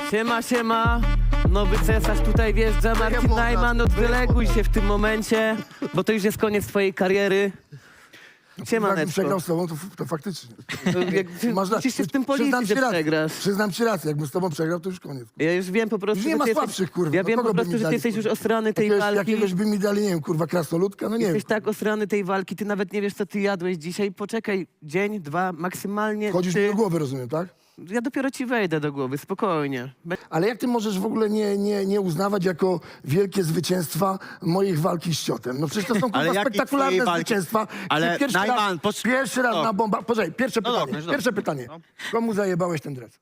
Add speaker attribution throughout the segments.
Speaker 1: Siema, siema. Nowy cesarz tutaj wjeżdża, Marcin Najman, odwyleguj się w tym momencie, bo to już jest koniec twojej kariery.
Speaker 2: Jakbym
Speaker 1: Siemaneczko.
Speaker 2: przegrał z tobą, to faktycznie.
Speaker 1: Musisz się z tym policzyć, że przegrasz.
Speaker 2: Przyznam ci rację, jakbym z tobą przegrał, to już koniec.
Speaker 1: Ja już wiem po prostu,
Speaker 2: Już nie
Speaker 1: że
Speaker 2: ma
Speaker 1: ty
Speaker 2: słabszych,
Speaker 1: jesteś,
Speaker 2: kurwa.
Speaker 1: ja
Speaker 2: Do
Speaker 1: wiem
Speaker 2: kogo
Speaker 1: po
Speaker 2: by
Speaker 1: prostu,
Speaker 2: mi
Speaker 1: że ty
Speaker 2: dali,
Speaker 1: jesteś już
Speaker 2: kurwa?
Speaker 1: osrany tej walki.
Speaker 2: Jakiegoś by mi dali, nie wiem, kurwa, krasnoludka, no nie wiem.
Speaker 1: Jesteś tak osrany tej walki, ty nawet nie wiesz, co ty jadłeś dzisiaj. Poczekaj, dzień, dwa, maksymalnie
Speaker 2: Chodzisz mi
Speaker 1: ty.
Speaker 2: do głowy, rozumiem, tak?
Speaker 1: Ja dopiero ci wejdę do głowy, spokojnie.
Speaker 2: Ale jak ty możesz w ogóle nie uznawać jako wielkie zwycięstwa moich walki z Ciotem? No przecież to są
Speaker 3: Ale
Speaker 2: kurwa
Speaker 3: jakie
Speaker 2: spektakularne
Speaker 3: twojej walki?
Speaker 2: zwycięstwa.
Speaker 3: Ale
Speaker 2: Pierwszy
Speaker 3: Najman,
Speaker 2: pierwszy raz
Speaker 3: no.
Speaker 2: na bomba... Poczekaj, pierwsze
Speaker 3: No
Speaker 2: pytanie.
Speaker 3: dobrze, dobrze.
Speaker 2: Pierwsze pytanie. Komu zajebałeś ten dres?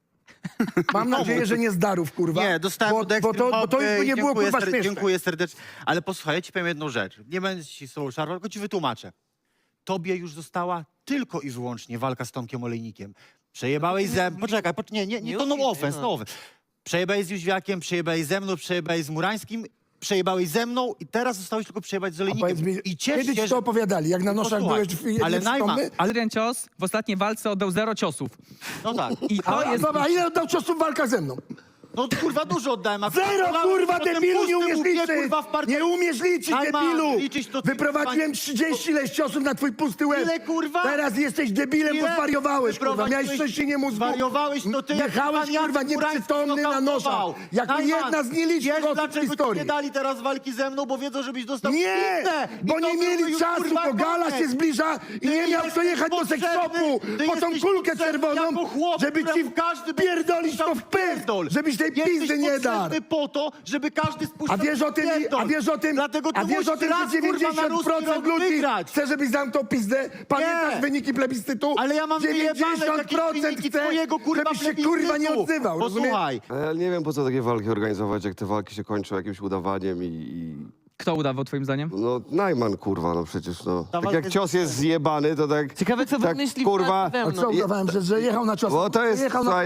Speaker 2: Mam nadzieję, że nie z darów, kurwa.
Speaker 3: Nie, dostałem od
Speaker 2: bo to już by nie było, kurwa, śmieszne.
Speaker 3: Dziękuję serdecznie. Ale posłuchaj, ja ci powiem jedną rzecz. Nie będę ci z tobą szarwał, tylko ci wytłumaczę. Tobie już została tylko i wyłącznie walka z Tomkiem Olejnikiem. Przejebałeś ze... Poczekaj, nie, to no offense, no offense. Przejebałeś z Jóźwiakiem, przejebałeś ze mną, przejebałeś z Murańskim, przejebałeś ze mną i teraz zostałeś tylko przejebać z Olejnikiem.
Speaker 2: Powiedz mi,
Speaker 3: I
Speaker 2: kiedy
Speaker 3: ciesz
Speaker 2: ci
Speaker 3: się,
Speaker 2: to opowiadali? Jak na noszach
Speaker 3: Posłuchaj,
Speaker 2: byłeś w jednym
Speaker 3: ale Najman,
Speaker 2: przytomny?
Speaker 4: Jeden cios w ostatniej walce oddał 0 ciosów.
Speaker 3: no tak.
Speaker 4: I to jest...
Speaker 2: Dobra, a ile oddał ciosów w walkach ze mną?
Speaker 3: No kurwa dużo oddałem. A
Speaker 2: Zero, kurwa,
Speaker 3: potem
Speaker 2: debilu, nie
Speaker 3: pusty
Speaker 2: umiesz
Speaker 3: łupie,
Speaker 2: liczyć!
Speaker 3: kurwa, w partii.
Speaker 2: Nie umiesz liczyć,
Speaker 3: Najman,
Speaker 2: debilu!
Speaker 3: liczyć to ty,
Speaker 2: Wyprowadziłem
Speaker 3: kurwa,
Speaker 2: 30 ileś ciosów na twój pusty łeb.
Speaker 3: Ile, kurwa?
Speaker 2: Teraz jesteś debilem, bo
Speaker 3: Ile?
Speaker 2: zwariowałeś, kurwa.
Speaker 3: Wyprowadziłeś-
Speaker 2: Miałeś trzęsienie mózgu.
Speaker 3: Zwariowałeś, to ty jak
Speaker 2: Jechałeś,
Speaker 3: pan Jacek
Speaker 2: kurwa,
Speaker 3: Murański
Speaker 2: nieprzytomny na noszach.
Speaker 3: nokautował.
Speaker 2: Jako
Speaker 3: Najman,
Speaker 2: jedna z nielicznych
Speaker 3: wiesz,
Speaker 2: osób w
Speaker 3: dlaczego ci
Speaker 2: historii.
Speaker 3: nie dali teraz walki ze mną, bo wiedzą, żebyś dostał
Speaker 2: Nie,
Speaker 3: pizdę. I
Speaker 2: bo
Speaker 3: to
Speaker 2: nie
Speaker 3: byłby
Speaker 2: mieli
Speaker 3: już,
Speaker 2: czasu,
Speaker 3: kurwa,
Speaker 2: bo gala
Speaker 3: koniec.
Speaker 2: się zbliża i
Speaker 3: Ty
Speaker 2: nie miał kto
Speaker 3: jesteś
Speaker 2: jechać do
Speaker 3: potrzebny,
Speaker 2: sekspopu
Speaker 3: ty
Speaker 2: po tą
Speaker 3: jesteś
Speaker 2: kulkę
Speaker 3: potrzebny
Speaker 2: czerwoną,
Speaker 3: jako chłop,
Speaker 2: żeby ci
Speaker 3: któremu każdy będzie
Speaker 2: pierdolić to w pysk,
Speaker 3: pierdol.
Speaker 2: żebyś tej
Speaker 3: Jesteś
Speaker 2: pizdy nie dał.
Speaker 3: potrzebny po to, żeby każdy spuszczał
Speaker 2: A wiesz o tym,
Speaker 3: Dlatego
Speaker 2: a
Speaker 3: ty
Speaker 2: wiesz o
Speaker 3: musisz
Speaker 2: tym,
Speaker 3: raz,
Speaker 2: że
Speaker 3: kurwa, na ruski
Speaker 2: 90%
Speaker 3: rok
Speaker 2: ludzi
Speaker 3: wygrać.
Speaker 2: chce, żebyś zamknął pizdę? Pamiętasz
Speaker 3: Nie.
Speaker 2: wyniki plebiscytu?
Speaker 3: Ale ja mam wyjebane jakieś
Speaker 2: 90%
Speaker 3: wyniki
Speaker 2: chce,
Speaker 3: twojego, kurwa,
Speaker 2: żebyś się kurwa nie
Speaker 3: plebiscytu.
Speaker 2: odzywał, rozumiesz?
Speaker 3: Posłuchaj,
Speaker 5: A ja nie wiem, po co takie walki organizować, jak te walki się kończą jakimś udawaniem i...
Speaker 4: Kto udawał twoim zdaniem?
Speaker 5: No, Najman, kurwa, no przecież, no. Tak
Speaker 3: walka
Speaker 5: jak
Speaker 3: jest-
Speaker 5: cios jest zjebany, to tak...
Speaker 1: Ciekawe, co
Speaker 5: tak,
Speaker 1: wymyśli
Speaker 5: kurwa,
Speaker 1: ze
Speaker 2: A
Speaker 1: mną.
Speaker 2: co udawałem, że jechał na cios?
Speaker 5: bo to jest,
Speaker 2: Jechał
Speaker 5: słuchaj,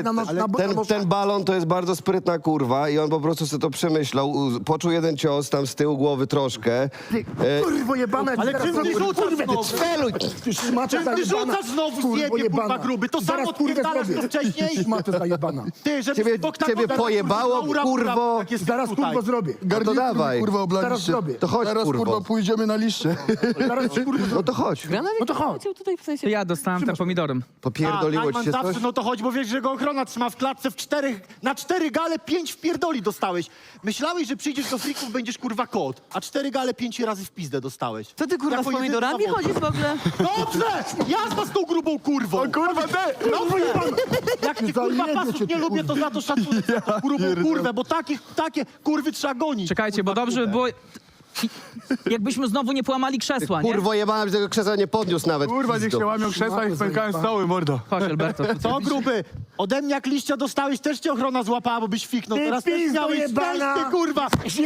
Speaker 5: ten balon to jest bardzo sprytna kurwa i on po prostu sobie to przemyślał, poczuł jeden cios tam z tyłu głowy troszkę.
Speaker 2: Kurwo jebane,
Speaker 3: Ale czym ty rzucasz znowu?
Speaker 2: Ty szmato
Speaker 3: Czym ty
Speaker 2: zajebana.
Speaker 3: rzucasz znowu
Speaker 2: Kurwo
Speaker 3: zjebie, kurwa,
Speaker 2: jebana.
Speaker 3: gruby? To
Speaker 2: Zaraz,
Speaker 3: samo
Speaker 2: kurwę,
Speaker 3: odpierdalasz
Speaker 2: zrobię.
Speaker 3: to wcześniej?
Speaker 2: Szmato zajebana.
Speaker 3: Ty, żeby
Speaker 5: Ciebie pojebało, kurwo?
Speaker 2: Zaraz kurwo zrobię.
Speaker 5: No to dawaj,
Speaker 6: Kurwa,
Speaker 2: Zaraz
Speaker 6: oblaliście.
Speaker 2: zrobię.
Speaker 5: to chodź,
Speaker 6: Teraz kurwa
Speaker 5: kurwo.
Speaker 6: pójdziemy na liście.
Speaker 2: Zaraz kurwo
Speaker 5: No to chodź,
Speaker 2: No to chodź.
Speaker 1: Tutaj w sensie...
Speaker 4: Ja dostałem ten pomidorem.
Speaker 5: popierdoliło ci się
Speaker 3: zawsze,
Speaker 5: coś?
Speaker 3: no to chodź, bo wiesz, że go ochrona trzyma w klatce na 4 gale 5 wpierdoli dostałeś. Myślałeś, że przyjdziesz do frików, będziesz kurwa kot, a 4 gale 5 razy w pizdę dostałeś.
Speaker 1: Co ty kurwa
Speaker 3: Jako
Speaker 1: z pomidorami
Speaker 3: jedyny
Speaker 1: chodzisz w ogóle?
Speaker 3: Dobrze! Jazda z tą grubą kurwą! Kurwa, ty! Jak ty kurwa
Speaker 2: Zajebie
Speaker 3: pasów
Speaker 2: cię,
Speaker 3: nie lubię, to za to szacunek za tą grubą kurwę, bo takie kurwy trzeba gonić.
Speaker 4: Czekajcie, bo
Speaker 3: Kurwa,
Speaker 4: dobrze by
Speaker 3: grube.
Speaker 4: było... Jakbyśmy znowu nie połamali krzesła, nie?
Speaker 5: Kurwo jebana, że tego krzesła nie podniósł nawet.
Speaker 6: Kurwa, niech
Speaker 5: pizdo.
Speaker 6: się łamią krzesła i pękają stoły, mordo.
Speaker 4: Chodź, Alberto.
Speaker 3: Co gruby? Ode mnie jak liścia dostałeś, też cię ochrona złapała, bo byś fiknął.
Speaker 2: Ty
Speaker 3: Teraz też
Speaker 2: pizdo
Speaker 3: miałeś
Speaker 2: jebana!
Speaker 3: szczęście, kurwa!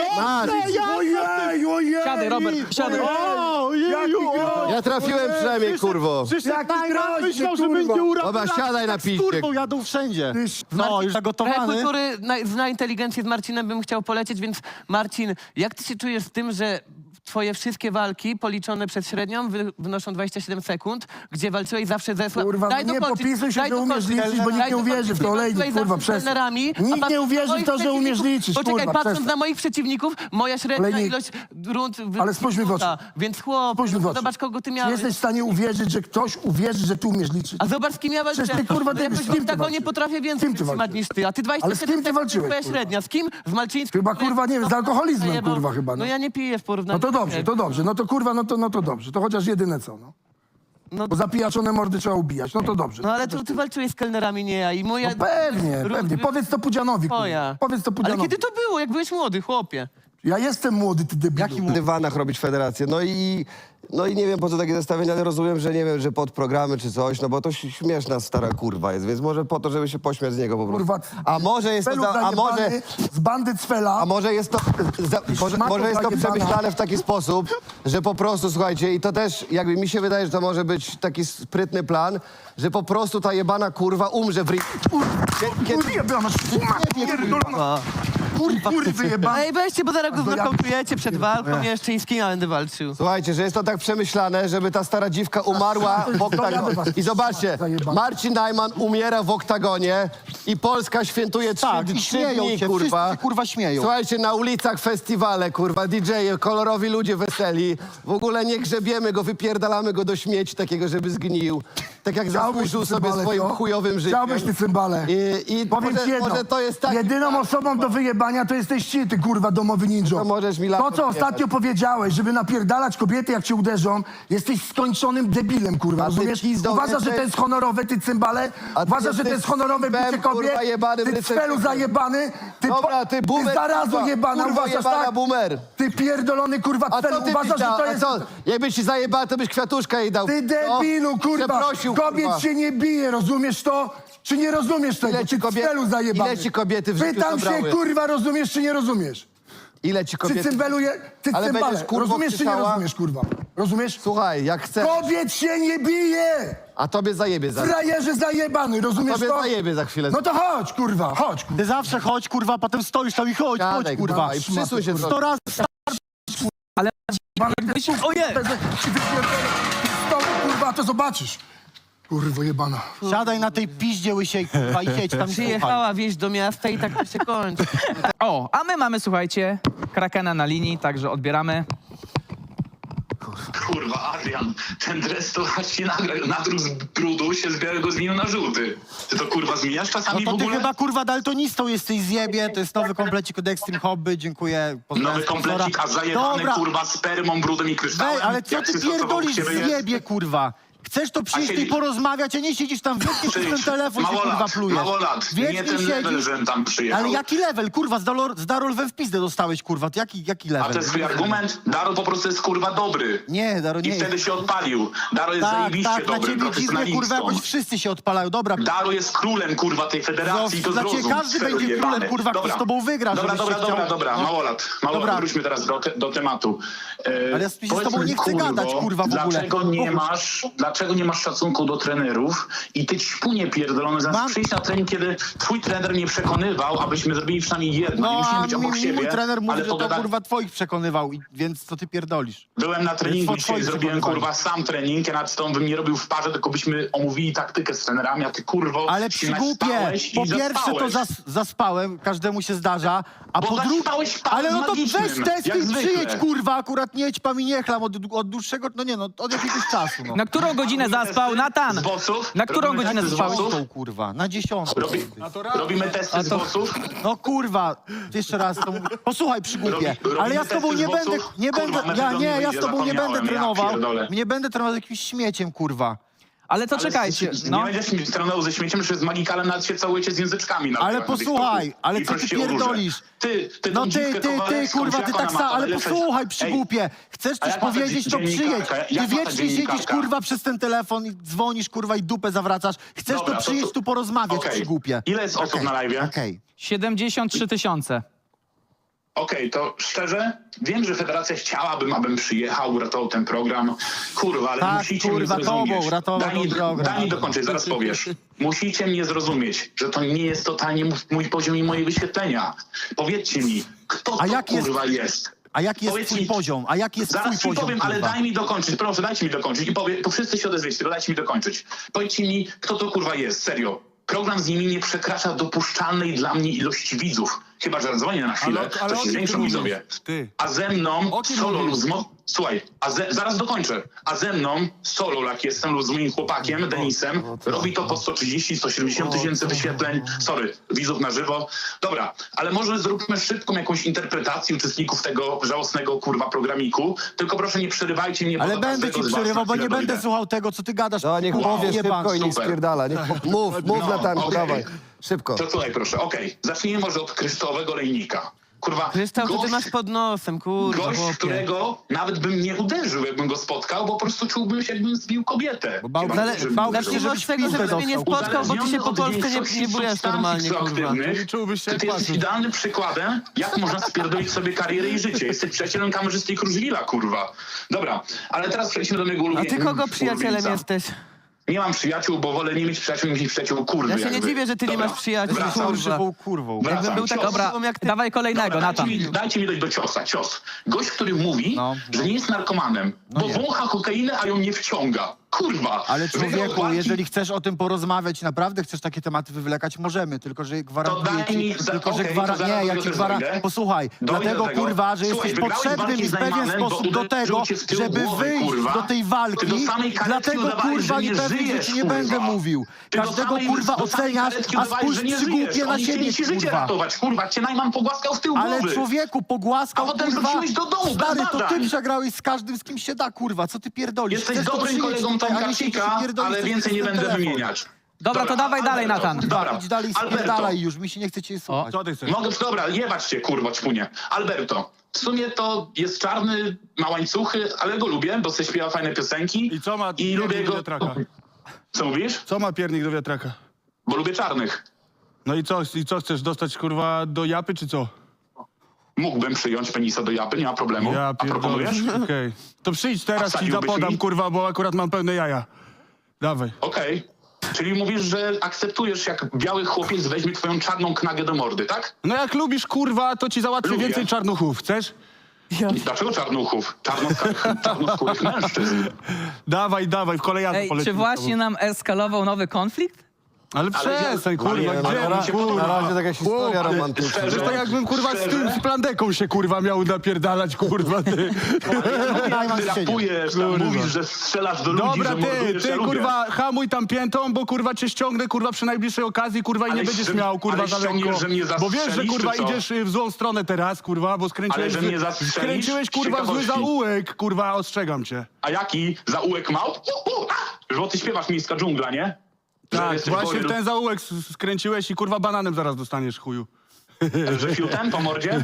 Speaker 2: Ojej, ojej!
Speaker 4: Siadaj, Robert, siadaj.
Speaker 3: Ojeju!
Speaker 5: Ja trafiłem przynajmniej, kurwo.
Speaker 3: Przyszedł
Speaker 2: Jaki
Speaker 3: Najman,
Speaker 2: groźny,
Speaker 3: myślał, że
Speaker 2: kurwa.
Speaker 3: będzie uratował.
Speaker 5: Dobra, siadaj na
Speaker 3: Z
Speaker 5: piździe.
Speaker 3: kurwą jadą wszędzie. No, już
Speaker 1: Trochę
Speaker 3: zagotowany.
Speaker 1: kultury zna inteligencję z Marcinem bym chciał polecieć, więc Marcin, jak ty się czujesz z tym, że twoje wszystkie walki policzone przez średnią wynoszą 27 sekund, gdzie walczyłeś zawsze ze
Speaker 2: Kurwa, no nie popisuj się, że umiesz liczyć, bo nikt nie uwierzy w to, olejnik, kurwa, przestań. Nikt nie uwierzy w to, że umiesz liczyć,
Speaker 1: Poczekaj,
Speaker 2: kurwa,
Speaker 1: patrząc
Speaker 2: przestań.
Speaker 1: na moich przeciwników, moja średnia
Speaker 2: Olejnik.
Speaker 1: ilość rund...
Speaker 2: Ale spójrz mi w oczy.
Speaker 1: Więc chłop,
Speaker 2: Spójrz mi w oczy.
Speaker 1: zobacz kogo ty
Speaker 2: Czy
Speaker 1: miałeś.
Speaker 2: jesteś w stanie uwierzyć, że ktoś uwierzy, że ty umiesz liczyć?
Speaker 1: A zobacz, z kim ja walczyłem.
Speaker 2: Przecież ty, kurwa,
Speaker 1: Ja
Speaker 2: ty- z kim ty
Speaker 1: tak nie
Speaker 2: walczyłeś?
Speaker 1: potrafię
Speaker 2: Z
Speaker 1: więcej
Speaker 2: kim ty
Speaker 1: wytrzymać
Speaker 2: walczyłeś?
Speaker 1: niż ty. A ty 27
Speaker 2: Ale z kim ty
Speaker 1: sekund,
Speaker 2: walczyłeś,
Speaker 1: twoja
Speaker 2: kurwa?
Speaker 1: średnia. Z kim? Z Malczyńskim?
Speaker 2: Chyba, kurwa, nie wiem, z alkoholizmem,
Speaker 1: Zajebał.
Speaker 2: kurwa, chyba, no.
Speaker 1: No ja nie piję w porównaniu.
Speaker 2: No to dobrze, to dobrze. No to kurwa, no to dobrze. To chociaż jedyne co, no.
Speaker 1: No,
Speaker 2: Bo zapijaczone mordy trzeba ubijać. No to dobrze.
Speaker 1: no ale to ty walczyłeś z kelnerami, nie ja. I moja...
Speaker 2: No pewnie, pewnie. Powiedz to Pudzianowi, kurwa.
Speaker 1: Moja.
Speaker 2: Powiedz to
Speaker 1: Ale
Speaker 2: Pudzianowi.
Speaker 1: kiedy to było? Jak byłeś młody, chłopie?
Speaker 2: Ja jestem młody, ty debilu.
Speaker 5: W dywanach robić federację. No i nie wiem, po co takie zestawienia, ale rozumiem, że nie wiem, że pod programy czy coś, no bo to śmieszna stara kurwa jest, więc może po to, żeby się pośmiać z niego po prostu.
Speaker 2: Kurwa,
Speaker 5: A może jest to,
Speaker 2: Cfelu zajebany, z bandy Cfela.
Speaker 5: a może jest to, może jest to
Speaker 2: zajebana.
Speaker 5: przemyślane w taki sposób, że po prostu, słuchajcie, i to też jakby mi się wydaje, że to może być taki sprytny plan, że po prostu ta jebana kurwa umrze w ring.
Speaker 2: Kurwa, jebana szuma, pierdolona. Kurwy jebane.
Speaker 1: Ej, weźcie, bo zaraz go
Speaker 2: No ja-
Speaker 1: znokautujecie przed walką jeszcze i z kim ja będę walczył.
Speaker 5: Słuchajcie, że jest to tak przemyślane, żeby ta stara dziwka umarła w oktagonie. I zobaczcie, Marcin Najman umiera w oktagonie i Polska świętuje trzy
Speaker 3: Tak, i śmieją
Speaker 5: dni,
Speaker 3: się,
Speaker 5: kurwa.
Speaker 3: wszyscy, kurwa, śmieją.
Speaker 5: Słuchajcie, na ulicach festiwale, kurwa, DJ-e, kolorowi ludzie weseli. W ogóle nie grzebiemy go, wypierdalamy go do śmieci takiego, żeby zgnił. Tak jak zasłużył sobie swoim chujowym życiem.
Speaker 2: Chciałbyś ty cymbale.
Speaker 5: I
Speaker 2: Powiem
Speaker 5: może,
Speaker 2: ci jedno.
Speaker 5: może to jest tak.
Speaker 2: Jedyną osobą do wyjebania to jesteś ty, kurwa, domowy ninja.
Speaker 5: To możesz mi
Speaker 2: To,
Speaker 5: laptop
Speaker 2: co
Speaker 5: jebać.
Speaker 2: ostatnio powiedziałeś, żeby napierdalać kobiety, jak cię uderzą, jesteś skończonym debilem, kurwa,
Speaker 5: A ty
Speaker 2: rozumiesz?
Speaker 5: pizdo,
Speaker 2: Uważasz, że
Speaker 5: jesteś-
Speaker 2: to jest honorowe, ty cymbale?
Speaker 5: A ty
Speaker 2: Uważasz, że to
Speaker 5: jesteś
Speaker 2: jest honorowe
Speaker 5: cwem,
Speaker 2: bicie kobiet?
Speaker 5: kurwa, jebany
Speaker 2: Ty
Speaker 5: brycek.
Speaker 2: cfelu zajebany? Ty,
Speaker 5: Dobra, ty boomer,
Speaker 2: zarazo
Speaker 5: kurwa,
Speaker 2: jebana,
Speaker 5: kurwa
Speaker 2: uważasz
Speaker 5: jebana
Speaker 2: tak?
Speaker 5: boomer.
Speaker 2: Ty pierdolony, kurwa,
Speaker 5: A
Speaker 2: cfelu,
Speaker 5: co ty
Speaker 2: uważasz, że to jest...
Speaker 5: A co? Jakbyś ci zajebała, to byś kwiatuszka jej dał.
Speaker 2: Ty debilu,
Speaker 5: No,
Speaker 2: kurwa!
Speaker 5: przeprosił,
Speaker 2: Kobiet
Speaker 5: kurwa.
Speaker 2: się nie bije, rozumiesz to? Czy nie rozumiesz tego?
Speaker 5: Ile ci
Speaker 2: Ty
Speaker 5: kobiet-
Speaker 2: cfelu zajebany.
Speaker 5: ile ci kobiety w życiu
Speaker 2: Pytam się,
Speaker 5: zabrały?
Speaker 2: kurwa, rozumiesz czy nie rozumiesz?
Speaker 5: Ile ci
Speaker 2: Czy
Speaker 5: kobiety...
Speaker 2: cymbeluje... Ty
Speaker 5: Ale
Speaker 2: cymbale,
Speaker 5: będziesz, kurwo,
Speaker 2: rozumiesz czy nie
Speaker 5: krzyczała?
Speaker 2: rozumiesz, kurwa? Rozumiesz?
Speaker 5: Słuchaj, jak chcesz,
Speaker 2: Kobiet się nie bije!
Speaker 5: a tobie zajebie za...
Speaker 2: Frajerze zajebany, rozumiesz
Speaker 5: Tobie
Speaker 2: to?
Speaker 5: zajebie za chwilę.
Speaker 2: No to chodź, kurwa, chodź, kurwa.
Speaker 3: Ty zawsze chodź, kurwa, potem stoisz tam i chodź,
Speaker 5: Siadaj,
Speaker 3: chodź, kurwa.
Speaker 5: kurwa, i przysuń się
Speaker 3: 100 razy
Speaker 1: Ojej!
Speaker 2: Ci wypierdolę z stołu, kurwa, to zobaczysz. Kurwo jebana.
Speaker 3: siadaj na tej piździe łysiej, kurwa, i siedź tam i słuchaj.
Speaker 1: Przyjechała wieść do miasta i tak to się kończy.
Speaker 4: O, a my mamy, słuchajcie, Krakena na linii, także odbieramy.
Speaker 7: Kurwa, Adrian, ten dres to właśnie nadrósł z brudu, się z białego zmienił na żółty. Ty to kurwa zmieniasz
Speaker 3: No
Speaker 7: czasami
Speaker 3: to
Speaker 7: w
Speaker 3: ty
Speaker 7: ogóle?
Speaker 3: chyba, kurwa, daltonistą jesteś, zjebie. To jest nowy komplecik od Extreme Hobby, dziękuję. pozdrawiam
Speaker 7: Nowy
Speaker 3: sponsora.
Speaker 7: komplecik, a zajebany
Speaker 3: Dobra,
Speaker 7: kurwa spermą, brudem i kryształem.
Speaker 3: wej, ale co
Speaker 7: Jak
Speaker 3: ty
Speaker 7: się stosował
Speaker 3: pierdolisz,
Speaker 7: u siebie jest?
Speaker 3: zjebie, kurwa? Chcesz to przyjść i
Speaker 7: siedzisz-
Speaker 3: porozmawiać, a nie siedzisz tam wiecznie przez ten
Speaker 7: Przyjdź.
Speaker 3: telefon, się
Speaker 7: Mało
Speaker 3: kurwa
Speaker 7: lat,
Speaker 3: plujesz.
Speaker 7: mało lat. Nie
Speaker 3: Wiecznie
Speaker 7: ten level,
Speaker 3: siedzisz.
Speaker 7: żem tam przyjechał.
Speaker 3: Ale jaki level, kurwa, z Darolwem w pizdę dostałeś, kurwa, jaki level?
Speaker 7: A to jest twój argument? Daro po prostu jest kurwa dobry.
Speaker 3: Nie, Daro, nie
Speaker 7: I wtedy
Speaker 3: jest.
Speaker 7: się odpalił. Daro jest
Speaker 3: Tak,
Speaker 7: zajebiście
Speaker 3: tak, na
Speaker 7: dobry,
Speaker 3: ciebie dziwnie, kurwa, jakoś
Speaker 7: profesjonalistą.
Speaker 3: wszyscy się odpalają, dobra.
Speaker 7: Daro jest królem, kurwa, tej federacji, to
Speaker 3: Dla ciebie
Speaker 7: zrozum.
Speaker 3: każdy
Speaker 7: Sferu
Speaker 3: będzie
Speaker 7: jebany.
Speaker 3: królem, kurwa, kto z tobą wygra,
Speaker 7: Dobra,
Speaker 3: żebyś się
Speaker 7: dobra,
Speaker 3: chciał-
Speaker 7: małolat.
Speaker 3: Dobra.
Speaker 7: Wróćmy teraz do tematu.
Speaker 3: Ale ja z
Speaker 7: Powiedz
Speaker 3: tobą
Speaker 7: mi,
Speaker 3: nie chcę gadać, kurwa, w ogóle.
Speaker 7: Dlaczego nie masz szacunku do trenerów i ty ćpunie pierdolony zamiast
Speaker 3: Mam-
Speaker 7: przyjść na trening, kiedy twój trener mnie przekonywał, abyśmy zrobili przynajmniej jedno. nie
Speaker 3: No,
Speaker 7: musimy
Speaker 3: a
Speaker 7: być obok siebie,
Speaker 3: mój trener mówi,
Speaker 7: ale
Speaker 3: że to
Speaker 7: pogada-
Speaker 3: kurwa twoich przekonywał, więc co ty pierdolisz?
Speaker 7: Byłem na treningu
Speaker 3: Jest
Speaker 7: dzisiaj,
Speaker 3: twoje
Speaker 7: zrobiłem
Speaker 3: przekonywanie.
Speaker 7: kurwa sam trening, ja nad tą bym nie robił w parze, tylko byśmy omówili taktykę z trenerami, a ty kurwo
Speaker 3: Ale
Speaker 7: się
Speaker 3: przygłupie,
Speaker 7: naspałeś i
Speaker 3: po pierwsze to
Speaker 7: zaspałeś.
Speaker 3: zaspałem, każdemu się zdarza, a
Speaker 7: Bo
Speaker 3: po drugie...
Speaker 7: zaspałeś spałem
Speaker 3: Ale no to
Speaker 7: magicznym,
Speaker 3: weź testy
Speaker 7: jak
Speaker 3: i
Speaker 7: zwykle.
Speaker 3: przyjedź, kurwa, akurat nie ćpam i nie chlam od dłuższego, no nie no, od jakiegoś czasu, no.
Speaker 4: Na którą godzinę
Speaker 7: Robimy
Speaker 4: zaspał
Speaker 7: testy
Speaker 4: Natan?
Speaker 7: z bossów?
Speaker 4: Na którą
Speaker 7: Robimy
Speaker 4: godzinę
Speaker 7: testy z
Speaker 4: zaspałeś?
Speaker 7: bossów?
Speaker 3: Tą, kurwa, na 10.
Speaker 7: Robimy testy z bossów?
Speaker 3: No kurwa, jeszcze raz to mówię. Posłuchaj, przygłupie,
Speaker 7: Robimy
Speaker 3: ale ja z tobą
Speaker 7: testy
Speaker 3: nie
Speaker 7: z
Speaker 3: będę,
Speaker 7: bossów?
Speaker 3: nie
Speaker 7: Kurwa,
Speaker 3: będę, ja z
Speaker 7: wyjdzie,
Speaker 3: tobą nie będę
Speaker 7: zapomniałem, ja
Speaker 3: trenował,
Speaker 7: pierdolę.
Speaker 3: nie będę trenował z jakimś śmieciem, kurwa.
Speaker 4: Ale to
Speaker 7: Ale
Speaker 4: czekajcie,
Speaker 7: Nie
Speaker 4: no.
Speaker 7: będziesz mi trenował ze śmieciem, że z magikalem nawet się całujecie z języczkami. Na
Speaker 3: Ale
Speaker 7: TikToku.
Speaker 3: posłuchaj, ale
Speaker 7: I
Speaker 3: co ty
Speaker 7: prosicie o róże.
Speaker 3: pierdolisz?
Speaker 7: Ty
Speaker 3: No
Speaker 7: tą dziwkę
Speaker 3: ty,
Speaker 7: Kowalewską,
Speaker 3: kurwa,
Speaker 7: jak
Speaker 3: ty
Speaker 7: ona
Speaker 3: tak
Speaker 7: ma
Speaker 3: samo,
Speaker 7: to
Speaker 3: ale
Speaker 7: najlepsze-
Speaker 3: posłuchaj,
Speaker 7: Ej,
Speaker 3: przygłupie. Chcesz
Speaker 7: a
Speaker 3: coś
Speaker 7: jak ma ta
Speaker 3: powiedzieć, to przyjedź.
Speaker 7: dziennikarka?
Speaker 3: Ty
Speaker 7: Jak ma ta
Speaker 3: wiecznie siedzisz,
Speaker 7: dziennikarka?
Speaker 3: kurwa, przez ten telefon i dzwonisz, kurwa, i dupę zawracasz. Chcesz
Speaker 7: Dobra,
Speaker 3: to przyjeść, tu porozmawiać,
Speaker 7: Okej.
Speaker 3: przygłupie.
Speaker 7: Ile jest osób na live'ie?
Speaker 3: Okej.
Speaker 4: 73 000.
Speaker 7: Okej, to szczerze, wiem, że federacja chciałaby, abym przyjechał, uratował ten program. Kurwa, ale
Speaker 3: Tak,
Speaker 7: musicie
Speaker 3: kurwa,
Speaker 7: mnie zrozumieć.
Speaker 3: tobą uratował ten program.
Speaker 7: Daj mi dokończyć, zaraz powiesz. Musicie mnie zrozumieć, że to nie jest totalnie mój poziom i moje wyświetlenia. Powiedzcie mi, kto
Speaker 3: A
Speaker 7: to
Speaker 3: jak jest-
Speaker 7: kurwa jest?
Speaker 3: A jaki jest
Speaker 7: Powiedz
Speaker 3: twój
Speaker 7: mi-
Speaker 3: poziom? A jaki jest twój
Speaker 7: Zaraz ci
Speaker 3: poziom,
Speaker 7: powiem, ale
Speaker 3: kurwa?
Speaker 7: daj mi dokończyć, proszę, dajcie mi dokończyć i to wszyscy się odezwiecie, tylko dajcie mi dokończyć. Powiedzcie mi, kto to kurwa jest, serio. Program z nimi nie przekracza dopuszczalnej dla mnie ilości widzów. Chyba, że dzwonię na chwilę,
Speaker 6: Ale
Speaker 7: to
Speaker 6: o
Speaker 7: się
Speaker 6: kim
Speaker 7: zwiększą
Speaker 6: ty
Speaker 7: widzowie.
Speaker 6: mówisz? Ty.
Speaker 7: A ze mną
Speaker 6: O kim
Speaker 7: solo
Speaker 6: mówisz?
Speaker 7: lub słuchaj, zaraz dokończę. A ze mną solo, jak jestem, lub z moim chłopakiem, Denisem, robi to po 130-170 tysięcy wyświetleń. Sorry, widzów na żywo. Dobra, ale może zróbmy szybką jakąś interpretację uczestników tego żałosnego kurwa programiku. Tylko proszę nie przerywajcie mnie, bo
Speaker 3: Ale
Speaker 7: do
Speaker 3: będę
Speaker 7: każdego
Speaker 3: ci
Speaker 7: z was
Speaker 3: przerywał,
Speaker 7: na
Speaker 3: bo nie
Speaker 7: chwilę
Speaker 3: będę
Speaker 7: dojdę.
Speaker 3: słuchał tego, co ty gadasz.
Speaker 5: No niech
Speaker 3: kurwa,
Speaker 5: powie
Speaker 3: jebany.
Speaker 5: szybko i niech
Speaker 7: super.
Speaker 5: spierdala. Mów
Speaker 7: No,
Speaker 5: Natanku,
Speaker 7: okej.
Speaker 5: dawaj. Szybko.
Speaker 7: To słuchaj proszę, okej. Zacznijmy może od kryształowego lejnika. Kurwa,
Speaker 1: Kryształ, to ty
Speaker 7: gość-
Speaker 1: masz pod nosem, kurwa,
Speaker 7: Gość,
Speaker 1: chłopie.
Speaker 7: którego nawet bym nie uderzył, jakbym go spotkał, bo po prostu czułbym się, jakbym zbił kobietę.
Speaker 3: Bo bał-
Speaker 7: Chyba,
Speaker 3: zale-
Speaker 7: żebym
Speaker 3: bał-
Speaker 7: uderzył.
Speaker 3: Zacznijmy
Speaker 1: Zacznijmy od tego,
Speaker 3: pizdę
Speaker 1: żebyś mnie nie
Speaker 3: dostał.
Speaker 1: spotkał, bo ty się
Speaker 7: Uzależniony
Speaker 1: po
Speaker 7: od
Speaker 1: Polsce nie
Speaker 7: większości
Speaker 1: bujesz
Speaker 7: substancji
Speaker 1: normalnie, kurwa.
Speaker 7: psychoaktywnych,
Speaker 6: Nie czułbyś się
Speaker 7: Ty
Speaker 6: jak
Speaker 7: jesteś
Speaker 6: patrzył.
Speaker 7: idealnym przykładem, jak można spierdolić sobie karierę i życie. Jesteś przyjacielem kamerzysty i Kruszwila, kurwa. Dobra, ale teraz przejdźmy do mojego
Speaker 1: A
Speaker 7: ulubieńca.
Speaker 1: ty kogo przyjacielem jesteś?
Speaker 7: nie mam przyjaciół, bo wolę nie mieć przyjaciół niż mieć przyjaciół kurwy.
Speaker 1: Ja się nie
Speaker 7: jakby.
Speaker 1: dziwię, że ty nie
Speaker 7: Dobra,
Speaker 1: masz przyjaciół.
Speaker 7: wracam.
Speaker 1: Kurwa.
Speaker 3: Żywą kurwą.
Speaker 7: Wracam.
Speaker 1: Jakbym był tak
Speaker 7: Cios.
Speaker 1: osobą jak ty.
Speaker 4: Dawaj kolejnego,
Speaker 7: Dobra,
Speaker 4: Natan.
Speaker 7: dajcie mi dojść do ciosa. Cios. Gość, który mówi,
Speaker 3: No.
Speaker 7: że nie jest narkomanem, bo wącha kokainę, a ją nie wciąga. Kurwa.
Speaker 3: Ale
Speaker 7: Wygrał
Speaker 3: człowieku,
Speaker 7: walki,
Speaker 3: jeżeli chcesz o tym porozmawiać, naprawdę chcesz takie tematy wywlekać, możemy, tylko że gwarantuję
Speaker 7: daj mi-
Speaker 3: ci, tylko że
Speaker 7: okej, to zaraz
Speaker 3: nie,
Speaker 7: do
Speaker 3: ja
Speaker 7: tego
Speaker 3: ci
Speaker 7: też
Speaker 3: gwarantuję,
Speaker 7: dojdę.
Speaker 3: posłuchaj,
Speaker 7: Dojdę
Speaker 3: dlatego
Speaker 7: do tego.
Speaker 3: kurwa, że
Speaker 7: Słuchaj,
Speaker 3: jesteś
Speaker 7: wygrałeś
Speaker 3: potrzebny
Speaker 7: walki
Speaker 3: mi
Speaker 7: z
Speaker 3: w pewien
Speaker 7: Najmanem, bo
Speaker 3: sposób do
Speaker 7: uderzył
Speaker 3: tego,
Speaker 7: cię w tył
Speaker 3: żeby
Speaker 7: głowy,
Speaker 3: wyjść
Speaker 7: kurwa.
Speaker 3: do tej walki,
Speaker 7: Ty do samej karetki
Speaker 3: dlatego
Speaker 7: udawałeś,
Speaker 3: kurwa
Speaker 7: że nie
Speaker 3: niepewnych
Speaker 7: żyjesz,
Speaker 3: rzeczy nie
Speaker 7: kurwa.
Speaker 3: będę mówił.
Speaker 7: Ty do
Speaker 3: Każdego
Speaker 7: samej-
Speaker 3: kurwa
Speaker 7: do samej
Speaker 3: oceniasz,
Speaker 7: karetki
Speaker 3: a
Speaker 7: udawałeś,
Speaker 3: spójrz
Speaker 7: że nie
Speaker 3: przygłupie
Speaker 7: żyjesz.
Speaker 3: na
Speaker 7: Oni chcieli
Speaker 3: siebie,
Speaker 7: ci życie
Speaker 3: kurwa.
Speaker 7: ratować, kurwa. Cię Najman pogłaskał w tył
Speaker 3: Ale
Speaker 7: głowy.
Speaker 3: człowieku, pogłaskał,
Speaker 7: A potem
Speaker 3: kurwa,
Speaker 7: wróciłeś do domu, bez
Speaker 3: stary, to ty
Speaker 7: badań.
Speaker 3: przegrałeś z każdym, z kim się da, kurwa, co ty pierdolisz?
Speaker 7: Jesteś
Speaker 3: Chcesz to
Speaker 7: dobrym
Speaker 3: przyjąć
Speaker 7: kolegą
Speaker 3: tutaj, a
Speaker 7: Tomka
Speaker 3: nie siedzisz i
Speaker 7: Cika,
Speaker 3: pierdolisz
Speaker 7: ale
Speaker 3: coś
Speaker 7: więcej nie
Speaker 3: przez ten
Speaker 7: będę
Speaker 3: telefon.
Speaker 7: wymieniać.
Speaker 4: Dobra, to dawaj dalej,
Speaker 7: Alberto,
Speaker 4: Natan.
Speaker 7: Dobra,
Speaker 3: Idź dalej,
Speaker 7: Alberto.
Speaker 3: spierdalaj już, mi się nie chce cię słuchać.
Speaker 6: Co ty chcesz?
Speaker 7: Mogę, dobra, jebać cię, kurwa, ćpunie. Alberto, w sumie to jest czarny, ma łańcuchy, ale go lubię, bo se śpiewa fajne piosenki.
Speaker 6: I co ma
Speaker 7: I lubię
Speaker 6: piernik do
Speaker 7: go...
Speaker 6: wiatraka?
Speaker 7: Co mówisz?
Speaker 6: Co ma piernik do wiatraka?
Speaker 7: Bo lubię czarnych.
Speaker 6: No i co chcesz dostać kurwa do japy czy co?
Speaker 7: Mógłbym przyjąć penisa do japy, nie ma problemu.
Speaker 6: Ja
Speaker 7: A
Speaker 6: pierdolę.
Speaker 7: proponujesz?
Speaker 6: Okej. To przyjdź teraz, ci
Speaker 7: wsadziłbyś
Speaker 6: zapodam
Speaker 7: mi?
Speaker 6: kurwa, bo akurat mam pełne jaja. Dawaj.
Speaker 7: Okej. Czyli mówisz, że akceptujesz, jak biały chłopiec weźmie twoją czarną knagę do mordy, tak?
Speaker 6: No jak lubisz kurwa, to ci załatwię
Speaker 7: Lubię.
Speaker 6: więcej czarnuchów, chcesz?
Speaker 7: I dlaczego czarnuchów? Czarnoskórych mężczyzn.
Speaker 6: Dawaj, w kolejarzu
Speaker 4: Ej,
Speaker 6: polecimy
Speaker 4: czy
Speaker 6: z
Speaker 4: właśnie
Speaker 6: tobą.
Speaker 4: nam eskalował nowy konflikt?
Speaker 6: Ale przestań, kurwa,
Speaker 7: Ale
Speaker 6: gdzie?
Speaker 7: mi się
Speaker 6: Kurwa,
Speaker 7: podoba.
Speaker 5: Na razie jakaś historia romantyczna.
Speaker 7: Szczerze?
Speaker 6: Przecież to jakbym kurwa z tym
Speaker 7: Szczerze?
Speaker 6: z plandeką się kurwa miał napierdalać, kurwa ty.
Speaker 7: Jak ty rapujesz, tam
Speaker 6: Kurwa.
Speaker 7: mówisz, że strzelasz do ludzi,
Speaker 6: Dobra,
Speaker 7: że mordujesz,
Speaker 6: ty
Speaker 7: ja lubię.
Speaker 6: kurwa hamuj tam piętą, bo kurwa cię ściągnę kurwa przy najbliższej okazji, kurwa i
Speaker 7: Ale
Speaker 6: nie będziesz
Speaker 7: że-
Speaker 6: miał kurwa
Speaker 7: ale
Speaker 6: za lekko.
Speaker 7: ściągniesz, że mnie
Speaker 6: Bo wiesz, że
Speaker 7: zastrzelisz,
Speaker 6: kurwa
Speaker 7: czy co?
Speaker 6: idziesz w złą stronę teraz, kurwa, bo skręciłeś,
Speaker 7: Ale że mnie zastrzelisz?
Speaker 6: skręciłeś kurwa w zły
Speaker 7: Ciekawości.
Speaker 6: zaułek, kurwa, ostrzegam cię.
Speaker 7: A jaki? Zaułek małp? Bo ty śpiewasz Miejska dżungla, nie? Że
Speaker 6: Tak,
Speaker 7: jesteś
Speaker 6: właśnie w
Speaker 7: gory-
Speaker 6: ten zaułek skręciłeś i kurwa bananem zaraz dostaniesz, chuju.
Speaker 7: Że fiutem po mordzie?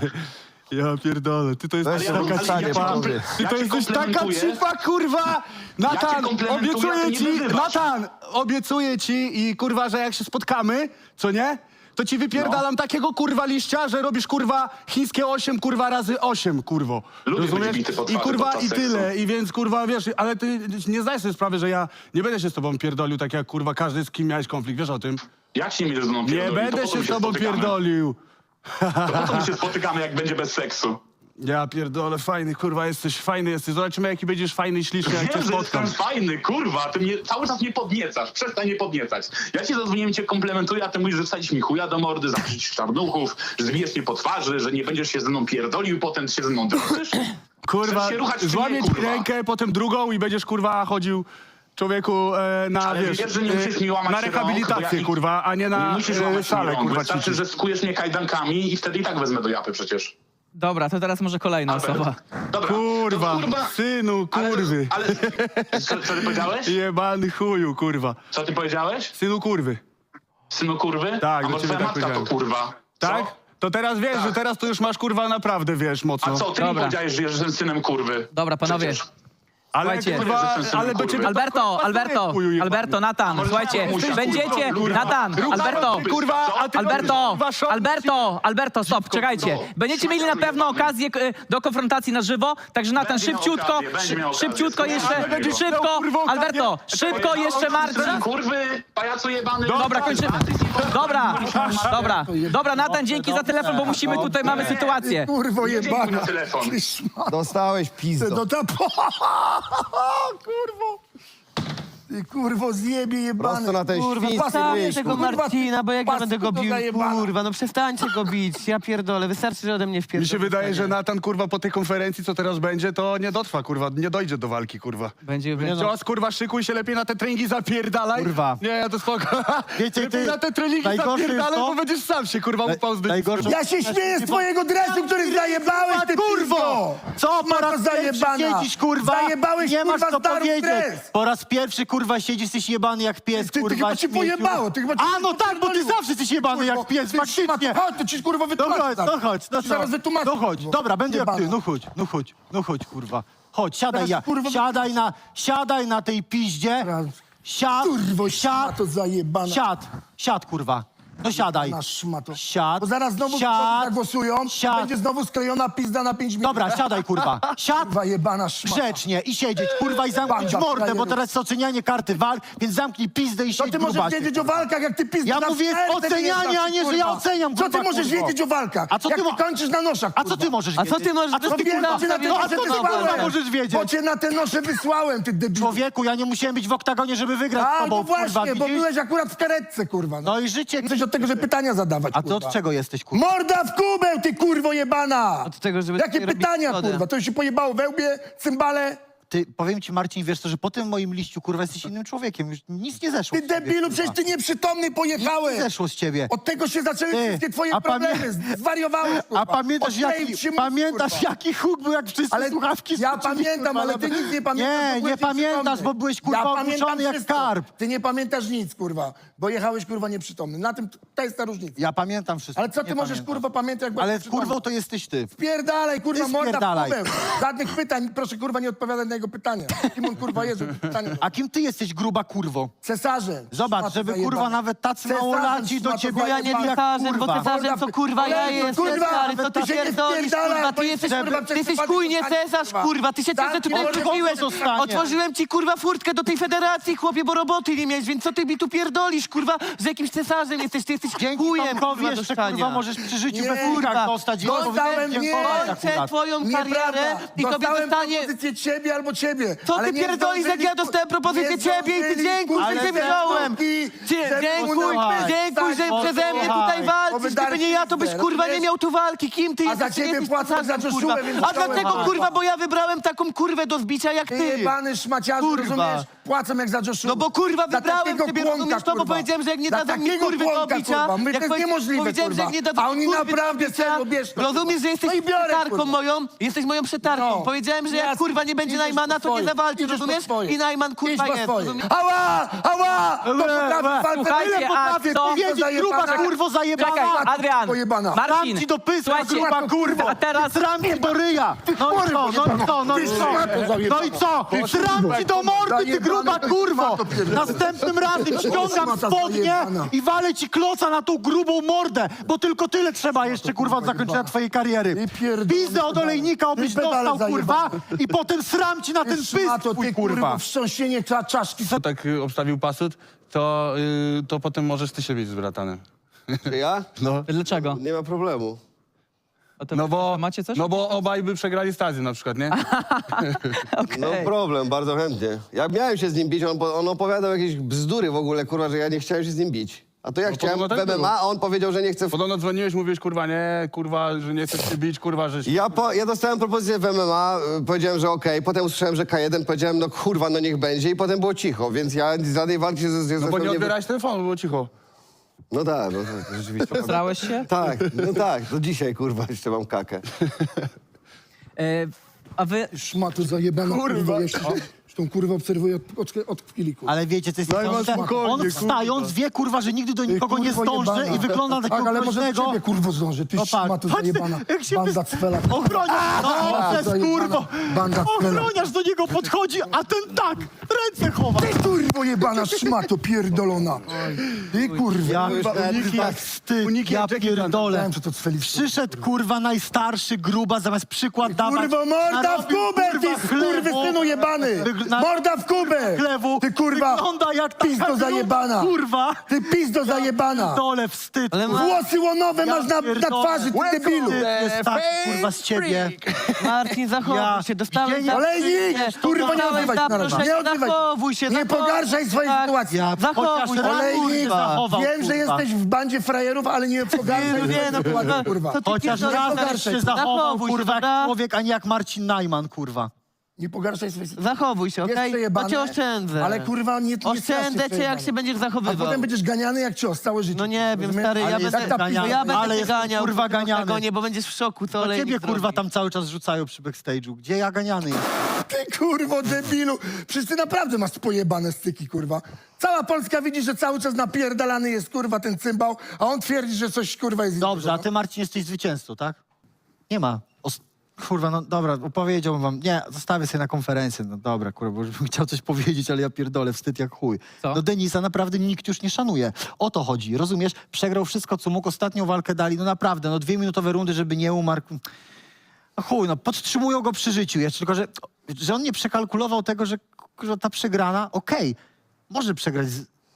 Speaker 6: Ja pierdolę, ty to jest
Speaker 5: Weź się
Speaker 6: taka
Speaker 5: wykasanie,
Speaker 6: cipa.
Speaker 5: panowie.
Speaker 6: Ty
Speaker 7: Ja
Speaker 6: to
Speaker 7: cię
Speaker 6: jesteś taka
Speaker 7: komplementuję.
Speaker 6: cipa, kurwa! Natan,
Speaker 7: komplementuję, a ty
Speaker 6: obiecuję
Speaker 7: nie
Speaker 6: ci,
Speaker 7: wyzywasz.
Speaker 6: Natan, obiecuję ci i kurwa, że jak się spotkamy, co nie? To ci wypierdalam takiego kurwa liścia, że robisz kurwa chińskie 8 kurwa razy 8, kurwo.
Speaker 7: Lubię być bity po
Speaker 6: I
Speaker 7: twarzy
Speaker 6: kurwa
Speaker 7: podczas
Speaker 6: i tyle.
Speaker 7: seksu.
Speaker 6: I więc kurwa wiesz, ale ty nie zdajesz sobie sprawy, że ja nie będę się z tobą pierdolił tak jak kurwa każdy z kim miałeś konflikt, wiesz o tym?
Speaker 7: Jak się nie będziesz ze mną
Speaker 6: Nie
Speaker 7: pierdolił?
Speaker 6: będę
Speaker 7: To po co
Speaker 6: się
Speaker 7: my
Speaker 6: z tobą
Speaker 7: spotykamy?
Speaker 6: pierdolił.
Speaker 7: To po co my się spotykamy, jak będzie bez seksu?
Speaker 6: Ja pierdolę, fajny kurwa jesteś, fajny jesteś. Zobaczymy jaki będziesz fajny i śliczny, jak cię
Speaker 7: Wiem, że
Speaker 6: spotkam.
Speaker 7: jestem fajny, kurwa, ty mnie cały czas mnie podniecasz, przestań mnie podniecać. Ja ci zadzwoniłem, cię komplementuję, a ty mówisz, że wsadzisz mi chuja do mordy, zaprosisz czarnuchów, że zbijesz mnie po twarzy, że nie będziesz się ze mną pierdolił, potem się ze mną drżysz.
Speaker 6: Kurwa,
Speaker 7: Chcesz się ruchać, czy nie,
Speaker 6: złamię ci
Speaker 7: kurwa?
Speaker 6: rękę, potem drugą i będziesz kurwa chodził człowieku na,
Speaker 7: Ale
Speaker 6: wiesz,
Speaker 7: wiesz, że nie musisz mi łamać
Speaker 6: na
Speaker 7: rąk,
Speaker 6: rehabilitację,
Speaker 7: bo ja-
Speaker 6: kurwa, a nie
Speaker 7: Nie
Speaker 6: na
Speaker 7: musisz łamać mi
Speaker 6: salę,
Speaker 7: rąk,
Speaker 6: kurwa,
Speaker 7: wystarczy,
Speaker 6: ćwiczyć.
Speaker 7: że skujesz mnie kajdankami i wtedy i tak wezmę do japy przecież.
Speaker 4: Dobra, to teraz może kolejna osoba.
Speaker 7: Dobra,
Speaker 6: Kurwa,
Speaker 7: to
Speaker 6: synu, kurwy.
Speaker 7: Ale co ty powiedziałeś?
Speaker 6: Jebany chuju, kurwa.
Speaker 7: Co ty powiedziałeś?
Speaker 6: Synu, kurwy.
Speaker 7: Synu kurwy?
Speaker 6: Tak,
Speaker 7: a
Speaker 6: do
Speaker 7: może
Speaker 6: ciebie
Speaker 7: twoja
Speaker 6: tak
Speaker 7: matka to
Speaker 6: powiedziałem.
Speaker 7: kurwa?
Speaker 6: Tak?
Speaker 7: Co?
Speaker 6: To teraz wiesz,
Speaker 7: Tak.
Speaker 6: że teraz to już masz kurwa naprawdę, wiesz, mocno.
Speaker 7: A co, ty mi
Speaker 4: Dobra.
Speaker 7: powiedziałeś, że jestem synem kurwy?
Speaker 4: Dobra, panowie.
Speaker 7: Przecież.
Speaker 6: Ale
Speaker 4: Słuchajcie.
Speaker 6: kurwa,
Speaker 7: Że jestem synem
Speaker 6: ale do
Speaker 7: kurwy.
Speaker 6: ciebie... to,
Speaker 4: Alberto,
Speaker 6: kurwa,
Speaker 4: Alberto,
Speaker 6: pasuje, chuju jebany.
Speaker 4: Alberto, Natan,
Speaker 7: może
Speaker 4: słuchajcie,
Speaker 7: mamusia,
Speaker 4: będziecie,
Speaker 7: kurwa,
Speaker 4: Natan,
Speaker 7: kurwa,
Speaker 4: Alberto,
Speaker 7: kurwa,
Speaker 6: Kurwa, a ty
Speaker 4: Alberto,
Speaker 6: kurwa, szok-
Speaker 4: Alberto, stop, czekajcie. Będziecie mieli na pewno okazję do konfrontacji na żywo, także Natan,
Speaker 7: Będzie miał
Speaker 4: szybciutko,
Speaker 7: okazję, będzie miał okazję.
Speaker 4: szybciutko jeszcze,
Speaker 7: Ale będziesz
Speaker 6: miał,
Speaker 4: szybko,
Speaker 6: kurwa, okazję.
Speaker 4: Alberto, szybko jeszcze Marcin.
Speaker 7: Synem kurwy, pajacu jebany.
Speaker 4: Dobra, kończymy. Dobra, Natan, dzięki za telefon, bo musimy, tutaj mamy sytuację.
Speaker 2: Kurwo
Speaker 7: dziękuję
Speaker 2: jebana.
Speaker 7: na telefon.
Speaker 2: Ty szmato.
Speaker 5: Dostałeś pizdo.
Speaker 2: No ta kurwo. Ty kurwo zjebie jebany.
Speaker 5: Prosto na ten
Speaker 1: Kurwa,
Speaker 5: świński
Speaker 1: zostawię
Speaker 5: ryj,
Speaker 1: tego
Speaker 5: kurwa.
Speaker 1: Marcina, bo jak ja będę go
Speaker 2: Paskudo
Speaker 1: bił,
Speaker 2: zajebana.
Speaker 1: kurwa, no przestańcie go bić, ja pierdolę, wystarczy, że ode mnie wpierdolę.
Speaker 6: Mi się wydaje, że Natan, kurwa, po tej konferencji, co teraz będzie, to nie dotrwa, kurwa, nie dojdzie do walki, kurwa.
Speaker 4: Będzie,
Speaker 6: Cios, kurwa, szykuj się lepiej na te treningi, zapierdalaj.
Speaker 3: Kurwa.
Speaker 6: Nie, ja to spoko.
Speaker 3: Wiecie,
Speaker 6: lepiej
Speaker 3: ty-
Speaker 6: na te treningi
Speaker 3: najgorsze jest
Speaker 6: zapierdalaj,
Speaker 3: to-
Speaker 6: bo będziesz sam się, kurwa, upał z
Speaker 3: najgorsze-
Speaker 2: Ja się śmieję z twojego dresu, który zajebałeś, ty kurwo!
Speaker 3: Co po raz pierwszy
Speaker 2: zajebana.
Speaker 3: siedzisz, kurwa?
Speaker 2: Zajebałeś,
Speaker 3: nie masz
Speaker 2: kurwa,
Speaker 3: co
Speaker 2: starą
Speaker 3: powiedzieć.
Speaker 2: dres.
Speaker 3: Po raz pierwszy, kurwa, siedzisz, jesteś jebany jak pies,
Speaker 2: Ty
Speaker 3: kurwa.
Speaker 2: chyba cię
Speaker 3: śmieciu.
Speaker 2: pojebało, ty chyba cię
Speaker 3: A, no tak, bo ty
Speaker 2: popierdoliło.
Speaker 3: zawsze jesteś jebany jak pies,
Speaker 2: Ty
Speaker 3: faktycznie.
Speaker 2: szmato, chodź, to ci kurwa
Speaker 3: No
Speaker 2: wytłumaczę.
Speaker 3: chodź, no chodź, no
Speaker 2: Ci zaraz wytłumaczę.
Speaker 3: No chodź,
Speaker 2: kurwo.
Speaker 3: dobra, będę jak ty,
Speaker 2: Jebana.
Speaker 3: no chodź, kurwa. Chodź, siadaj,
Speaker 2: Teraz, kurwa,
Speaker 3: siadaj na tej piździe.
Speaker 2: Teraz.
Speaker 3: Siad,
Speaker 2: Kurwo,
Speaker 3: siad,
Speaker 2: to zajebana.
Speaker 3: siad, kurwa. No siadaj.
Speaker 2: Na szmato.
Speaker 3: Siad.
Speaker 2: Bo zaraz znowu
Speaker 3: Siad.
Speaker 2: zagłosują,
Speaker 3: Siad.
Speaker 2: będzie znowu sklejona pizda na 5 minut.
Speaker 3: Dobra, siadaj, kurwa. Siad.
Speaker 2: Kurwa jebana szmata.
Speaker 3: Grzecznie i siedzieć, kurwa, i zamknąć
Speaker 2: Banda
Speaker 3: mordę, bo
Speaker 2: frajerów.
Speaker 3: teraz jest ocenianie karty walk, więc zamknij pizdę i
Speaker 2: Co
Speaker 3: siedź,
Speaker 2: ty możesz
Speaker 3: grubasie,
Speaker 2: wiedzieć o
Speaker 3: kurwa.
Speaker 2: walkach, jak ty pizda
Speaker 3: Ja
Speaker 2: na
Speaker 3: mówię
Speaker 2: serce
Speaker 3: ocenianie,
Speaker 2: wyjeżdżasz,
Speaker 3: a nie, że
Speaker 2: kurwa.
Speaker 3: ja oceniam,
Speaker 2: Co ty
Speaker 3: kurwa,
Speaker 2: możesz
Speaker 3: kurwo.
Speaker 2: wiedzieć o walkach?
Speaker 3: A co ty
Speaker 2: jak
Speaker 3: mo-
Speaker 2: ty kończysz na noszach,
Speaker 3: A co
Speaker 2: kurwa?
Speaker 3: ty możesz
Speaker 1: A
Speaker 3: wiedzieć?
Speaker 1: co ty możesz...
Speaker 3: A co ty,
Speaker 2: Wiem,
Speaker 3: kurwa,
Speaker 2: bo cię na te
Speaker 3: no, a
Speaker 2: nosze
Speaker 3: co ty,
Speaker 2: wysłałem.
Speaker 3: kurwa, możesz wiedzieć?
Speaker 2: Bo cię na te nosze wysłałem, ty debilu.
Speaker 3: Człowieku, ja nie musiałem być w oktagonie, żeby wygrać z
Speaker 2: A,
Speaker 3: tobą,
Speaker 2: no właśnie,
Speaker 3: kurwa,
Speaker 2: bo
Speaker 3: widzisz?
Speaker 2: byłeś akurat w karetce, kurwa.
Speaker 3: No i życie...
Speaker 2: Jesteś od tego, że pytania zadawać,
Speaker 3: A ty
Speaker 2: kurwa.
Speaker 3: od czego jesteś, kurwa?
Speaker 2: Morda w kubeł, ty kurwo jebana!
Speaker 1: Od tego, żeby
Speaker 2: Jakie
Speaker 1: sobie robić
Speaker 2: pytania,
Speaker 1: szkodę.
Speaker 2: kurwa? To już się pojebało we łbie, cymbale?
Speaker 3: Ty, powiem ci, Marcin, wiesz co, że po tym moim liściu, kurwa, jesteś innym człowiekiem. Już nic nie zeszło
Speaker 2: Ty
Speaker 3: z ciebie,
Speaker 2: debilu,
Speaker 3: kurwa.
Speaker 2: przecież ty nieprzytomny
Speaker 3: Nic
Speaker 2: pojechałeś!
Speaker 3: nie zeszło z ciebie.
Speaker 2: Od tego się zaczęły
Speaker 3: Ty,
Speaker 2: wszystkie twoje
Speaker 3: a
Speaker 2: problemy. Zwariowałeś, kurwa.
Speaker 3: A pamiętasz,
Speaker 2: Odkleił
Speaker 3: jaki,
Speaker 2: ci mózg,
Speaker 3: pamiętasz
Speaker 2: kurwa.
Speaker 3: jaki huk był, jak wszyscy
Speaker 2: Ale
Speaker 3: słuchawki
Speaker 2: ja
Speaker 3: skoczyli,
Speaker 2: pamiętam,
Speaker 3: kurwa,
Speaker 2: ale
Speaker 3: na-
Speaker 2: ty nic nie pamiętasz.
Speaker 3: Nie,
Speaker 2: bo byłeś
Speaker 3: nie pamiętasz,
Speaker 2: nieprzytomny.
Speaker 3: bo byłeś, kurwa,
Speaker 2: Ja pamiętam
Speaker 3: obuczony jak
Speaker 2: wszystko.
Speaker 3: karp.
Speaker 2: Ty nie pamiętasz nic, kurwa, bo jechałeś, kurwa, nieprzytomny. Na tym, to jest ta różnica.
Speaker 3: Ja pamiętam wszystko.
Speaker 2: Ale co ty
Speaker 3: nie
Speaker 2: możesz,
Speaker 3: pamiętam.
Speaker 2: kurwa, pamiętać, jak byłeś
Speaker 3: Ale
Speaker 2: nieprzytomny?
Speaker 3: kurwą to jesteś ty.
Speaker 2: Spierdalaj, kurwa,
Speaker 3: Ty
Speaker 2: morda w
Speaker 3: spierdalaj.
Speaker 2: kubeł. Żadnych pytań, proszę, kurwa, nie odpowiadać na jego pytania. Kim on, kurwa, jest, żeby pytania...
Speaker 3: A kim ty jesteś, gruba kurwo?
Speaker 2: Cesarzem.
Speaker 3: Zobacz,
Speaker 2: Szmato
Speaker 3: żeby,
Speaker 2: zajebana.
Speaker 3: kurwa, nawet tacy
Speaker 2: Cesarzem,
Speaker 3: małolaci do
Speaker 2: szmato
Speaker 3: ciebie
Speaker 1: Bo ja nie
Speaker 2: zajebana.
Speaker 1: cesarzem, bo
Speaker 3: kurwa.
Speaker 1: cesarzem to kurwa ja
Speaker 2: Ale to,
Speaker 1: jestem,
Speaker 2: kurwa,
Speaker 1: stary, co ty
Speaker 2: ty się nie
Speaker 1: pierdolisz,
Speaker 2: wpierdalaj,
Speaker 1: kurwa,
Speaker 2: bo
Speaker 1: ty jesteś,
Speaker 2: kurwa,
Speaker 1: ty jesteś
Speaker 2: przed
Speaker 1: chujnie
Speaker 2: pytaniem,
Speaker 1: cesarz,
Speaker 2: kurwa.
Speaker 1: kurwa, ty się
Speaker 2: Tak,
Speaker 1: cesarz tutaj
Speaker 2: mordę
Speaker 1: wróciłeś,
Speaker 3: zostanie.
Speaker 1: otworzyłem ci, kurwa, furtkę do tej federacji, chłopie, bo roboty nie miałeś, więc co ty mi tu pierdolisz, kurwa, że jakimś cesarzem jesteś, ty jesteś
Speaker 3: Dzięki
Speaker 1: chujem,
Speaker 3: Tomkowi
Speaker 1: kurwa,
Speaker 3: jeszcze,
Speaker 1: dostania.
Speaker 3: kurwa, możesz przy życiu
Speaker 2: Nie,
Speaker 3: bez kurwa
Speaker 1: kurwa.
Speaker 3: dostać i
Speaker 2: Dostałem,
Speaker 3: powinieneś
Speaker 2: nie.
Speaker 3: dziękować
Speaker 1: Kończę
Speaker 3: akurat.
Speaker 1: twoją karierę
Speaker 2: Nieprawda.
Speaker 1: i tobie
Speaker 2: Dostałem
Speaker 1: dostanie...
Speaker 2: propozycję ciebie albo ciebie.
Speaker 1: Co
Speaker 2: ale
Speaker 1: ty
Speaker 2: nie
Speaker 1: pierdolisz, jak ja
Speaker 2: zdążyli,
Speaker 1: dostałem propozycję
Speaker 2: nie
Speaker 1: ciebie i ty
Speaker 2: zdążyli,
Speaker 1: dziękuj,
Speaker 2: kurwa,
Speaker 1: że cię
Speaker 2: te
Speaker 1: wziąłem.
Speaker 2: stopki, żeby
Speaker 1: Dziękuj,
Speaker 2: udawać.
Speaker 1: dziękuj, że
Speaker 2: Tak,
Speaker 1: przeze mnie
Speaker 3: posłuchaj.
Speaker 1: tutaj walczysz.
Speaker 2: Powiedziałem
Speaker 1: Gdyby nie ja, to byś,
Speaker 2: pizdę,
Speaker 1: kurwa, nie
Speaker 2: rozumiesz?
Speaker 1: miał tu walki. Kim ty
Speaker 2: A
Speaker 1: jesteś?
Speaker 2: za
Speaker 1: Ty nie
Speaker 2: ciebie
Speaker 1: jesteś
Speaker 2: płacę
Speaker 1: cesarzem,
Speaker 2: za
Speaker 1: kurwa.
Speaker 2: Joshuę, więc
Speaker 1: A
Speaker 2: chciałem
Speaker 1: dlatego,
Speaker 2: walczyć.
Speaker 1: kurwa, bo ja wybrałem taką kurwę do zbicia jak
Speaker 2: Ty
Speaker 1: ty.
Speaker 2: jebany szmaciarzu,
Speaker 1: Kurwa.
Speaker 2: rozumiesz? Płacą jak za Joshuę.
Speaker 1: No bo kurwa
Speaker 2: Za
Speaker 1: wybrałem
Speaker 2: takiego
Speaker 1: ciebie,
Speaker 2: kłonka,
Speaker 1: rozumiesz to, bo
Speaker 2: kurwa.
Speaker 1: powiedziałem, że jak nie
Speaker 2: Za
Speaker 1: dadzą mi
Speaker 2: takiego
Speaker 1: kurwy do
Speaker 2: kłonka,
Speaker 1: bicia,
Speaker 2: kurwa. My,
Speaker 1: jak
Speaker 2: to jest niemożliwe,
Speaker 1: powiedziałem, że
Speaker 2: kurwa.
Speaker 1: jak nie dadzą
Speaker 2: A
Speaker 1: mi
Speaker 2: oni
Speaker 1: kurwy do
Speaker 2: naprawdę
Speaker 1: bicia,
Speaker 2: serio, bierz to,
Speaker 1: rozumiesz, że jesteś
Speaker 2: No i biorę,
Speaker 1: przetarką
Speaker 2: kurwa.
Speaker 1: moją, jesteś moją przetarką.
Speaker 2: No.
Speaker 1: Powiedziałem, że jak
Speaker 2: Jasne.
Speaker 1: kurwa nie będzie
Speaker 2: Idziesz
Speaker 1: Najmana,
Speaker 2: po
Speaker 1: to nie
Speaker 2: swoje.
Speaker 1: zawalczy,
Speaker 2: Idziesz po
Speaker 1: rozumiesz?
Speaker 2: swoje.
Speaker 1: I Najman
Speaker 2: Idź
Speaker 1: kurwa
Speaker 2: po
Speaker 1: jest,
Speaker 2: swoje.
Speaker 1: rozumiesz?
Speaker 2: Ała! Ała! To potrafi walkę,
Speaker 4: Słuchajcie,
Speaker 2: ile
Speaker 4: a
Speaker 2: potrafię,
Speaker 4: kto-
Speaker 2: pizdo
Speaker 3: Wiedzieć, gruba
Speaker 2: zajebana.
Speaker 3: kurwo zajebana.
Speaker 4: Czekaj, Adrian,
Speaker 2: pojebana.
Speaker 4: Marcin,
Speaker 3: Dam ci do pyska,
Speaker 4: słuchajcie,
Speaker 3: gruba kurwo.
Speaker 4: a teraz...
Speaker 3: Sram ci do ryja. No i co, no i co, no i co? No i co? Sram ci do mordy, ty gruba kurwo. Następnym razem ściągam spodnie i walę ci kloca na tą grubą mordę, bo tylko tyle trzeba jeszcze, kurwa, od zakończenia twojej kariery.
Speaker 2: I pierdolę,
Speaker 3: Pizdę od
Speaker 2: pedale.
Speaker 3: olejnika, obyś
Speaker 2: I pedale
Speaker 3: dostał, kurwa,
Speaker 2: zajebane.
Speaker 3: i potem sram ci na ten pysk
Speaker 2: Szmato,
Speaker 3: twój,
Speaker 2: ty
Speaker 3: kurwa.
Speaker 2: wstrząsienie czaszki.
Speaker 8: tak obstawił pasut, to potem możesz ty się bić z bratanem.
Speaker 5: Czy ja?
Speaker 8: No.
Speaker 4: Dlaczego?
Speaker 5: Nie ma problemu.
Speaker 4: O to
Speaker 8: No bo,
Speaker 4: macie coś?
Speaker 8: no bo obaj by przegrali stadion na przykład, nie?
Speaker 5: No problem, bardzo chętnie. Ja miałem się z nim bić, on opowiadał jakieś bzdury w ogóle, kurwa, że ja nie chciałem się z nim bić. A to ja chciałem
Speaker 8: podobno
Speaker 5: w
Speaker 8: tak
Speaker 5: MMA,
Speaker 8: było.
Speaker 5: a on powiedział, że nie chce...
Speaker 8: Podobno dzwoniłeś, mówiłeś, kurwa, nie, kurwa, że nie chcesz się bić, kurwa, że...
Speaker 5: Ja dostałem propozycję w MMA, powiedziałem, że okej, potem usłyszałem, że K1, powiedziałem, no kurwa, no niech będzie i potem było cicho, więc ja z żadnej walki się ze
Speaker 8: No bo nie odbierałeś telefonu, było cicho.
Speaker 5: No tak, rzeczywiście.
Speaker 4: Zrałeś się?
Speaker 5: Tak, no tak, do dzisiaj, kurwa, jeszcze mam kakę.
Speaker 4: A wy...
Speaker 2: Szmato zajebana, kurwa. Jeszcze tą kurwę obserwuję od chwili, kurwa.
Speaker 3: Ale wiecie, co jest
Speaker 2: Daj
Speaker 3: niesamowite?
Speaker 2: spokojnie,
Speaker 3: On wstając wie, kurwa, że nigdy do nikogo nie
Speaker 2: kurwo
Speaker 3: zdąży
Speaker 2: jebana.
Speaker 3: i wygląda na takiego
Speaker 2: Tak, ale może do
Speaker 3: groźnego.
Speaker 2: ciebie, kurwo, zdąży. Ty
Speaker 3: No tak.
Speaker 2: szmato
Speaker 3: Patrz,
Speaker 2: zajebana.
Speaker 3: jak się
Speaker 2: Banda cwela.
Speaker 3: Ochroniarz, no, przez
Speaker 2: zajebana.
Speaker 3: kurwo.
Speaker 2: Banda cwela.
Speaker 3: Ochroniarz do niego podchodzi, a ten tak, ręce chowa.
Speaker 2: Ty kurwo jebana, szmato pierdolona. Ty kurwa.
Speaker 3: Ja
Speaker 2: kurwa,
Speaker 3: uniki jak wstyd, ja pierdolę.
Speaker 2: Wiem, że to cweli.
Speaker 3: Przyszedł, kurwa, najstarszy gruba, zamiast przykład dawać.
Speaker 2: Kurwo, morda w
Speaker 3: narobił,
Speaker 2: kubę,
Speaker 3: kurwa,
Speaker 2: ty
Speaker 3: chlewu.
Speaker 2: skurwysynu jebany! Morda w kubę!
Speaker 3: Chlewu.
Speaker 2: Ty kurwa,
Speaker 3: Wygląda jak taka
Speaker 2: pizdo
Speaker 3: gruba,
Speaker 2: zajebana!
Speaker 3: kurwa.
Speaker 2: Ty pizdo zajebana!
Speaker 3: Dole wstyd.
Speaker 1: Ale
Speaker 2: Włosy łonowe
Speaker 3: Ja
Speaker 2: masz na
Speaker 3: pierdolę.
Speaker 2: twarzy, ty debilu!
Speaker 3: Wstyd jest tak, kurwa, z ciebie.
Speaker 1: Marcin, zachowuj
Speaker 3: Ja-
Speaker 1: się, dostałeś
Speaker 3: Widzieli-
Speaker 2: Olejnik! Kurwa, nie
Speaker 1: dostałeś
Speaker 2: odzywaj się na razie.
Speaker 1: zaproszenie,
Speaker 2: Nie odzywaj
Speaker 1: zachowuj się,
Speaker 2: Nie
Speaker 1: zachowuj.
Speaker 2: pogarszaj swojej
Speaker 1: Tak.
Speaker 2: sytuacji.
Speaker 3: Ja
Speaker 1: Zachowuj
Speaker 3: chociaż
Speaker 1: się,
Speaker 3: raz
Speaker 2: Olejnik,
Speaker 3: zachował,
Speaker 2: wiem, że
Speaker 3: kurwa.
Speaker 2: jesteś w bandzie frajerów, ale nie pogarszaj
Speaker 1: Nie,
Speaker 2: swojej
Speaker 1: no,
Speaker 2: sytuacji, kurwa.
Speaker 1: co ty
Speaker 3: Chociaż
Speaker 1: pierdolisz,
Speaker 3: raz
Speaker 2: pogarszaj
Speaker 3: się
Speaker 2: się.
Speaker 3: zachował,
Speaker 1: Zachowuj się,
Speaker 3: kurwa, jak
Speaker 1: dobra?
Speaker 3: człowiek, a nie jak Marcin Najman, kurwa.
Speaker 2: Nie pogarszaj swojej sytuacji.
Speaker 1: Zachowuj się,
Speaker 2: Jest
Speaker 1: okej?
Speaker 2: przejebane,
Speaker 1: Bo cię oszczędzę.
Speaker 2: Ale kurwa, nie
Speaker 1: Oszczędzę cię, jak
Speaker 2: przejebane.
Speaker 1: się będziesz
Speaker 2: A
Speaker 1: zachowywał.
Speaker 2: potem będziesz ganiany jak cios całe życie.
Speaker 1: No nie wiem,
Speaker 2: rozumiesz?
Speaker 1: stary, ja
Speaker 3: Ale
Speaker 1: będę,
Speaker 3: jest ganiany.
Speaker 1: bo ja
Speaker 3: Ale
Speaker 1: będę cię
Speaker 3: jest,
Speaker 1: ganiał
Speaker 3: kurwa,
Speaker 1: w tym
Speaker 3: ganiany.
Speaker 1: oktagonie, bo będziesz w szoku, co
Speaker 3: To
Speaker 1: olejnik
Speaker 3: ciebie, kurwa,
Speaker 1: zrobi.
Speaker 3: tam cały czas rzucają przy backstage'u. Gdzie ja ganiany jestem?
Speaker 2: Ty kurwo debilu! Przecież ty naprawdę masz pojebane styki, kurwa. Cała Polska widzi, że cały czas napierdalany jest, kurwa, ten cymbał, a on twierdzi, że coś, kurwa, jest
Speaker 3: Dobrze, a
Speaker 2: innego,
Speaker 3: ty, Marcin, jesteś zwycięzcą, tak? Nie ma. Kurwa, no dobra, opowiedziałbym wam. Nie, zostawię sobie na konferencję. No dobra, kurwa, bo już bym chciał coś powiedzieć, ale ja pierdolę, wstyd jak chuj.
Speaker 4: Co?
Speaker 3: No Denisa naprawdę nikt już nie szanuje. O to chodzi, rozumiesz? Przegrał wszystko, co mógł. Ostatnią walkę dali, no naprawdę, no 2-minutowe rundy, żeby nie umarł. No chuj, no podtrzymują go przy życiu jeszcze, tylko że on nie przekalkulował tego, że ta przegrana, okej, może przegrać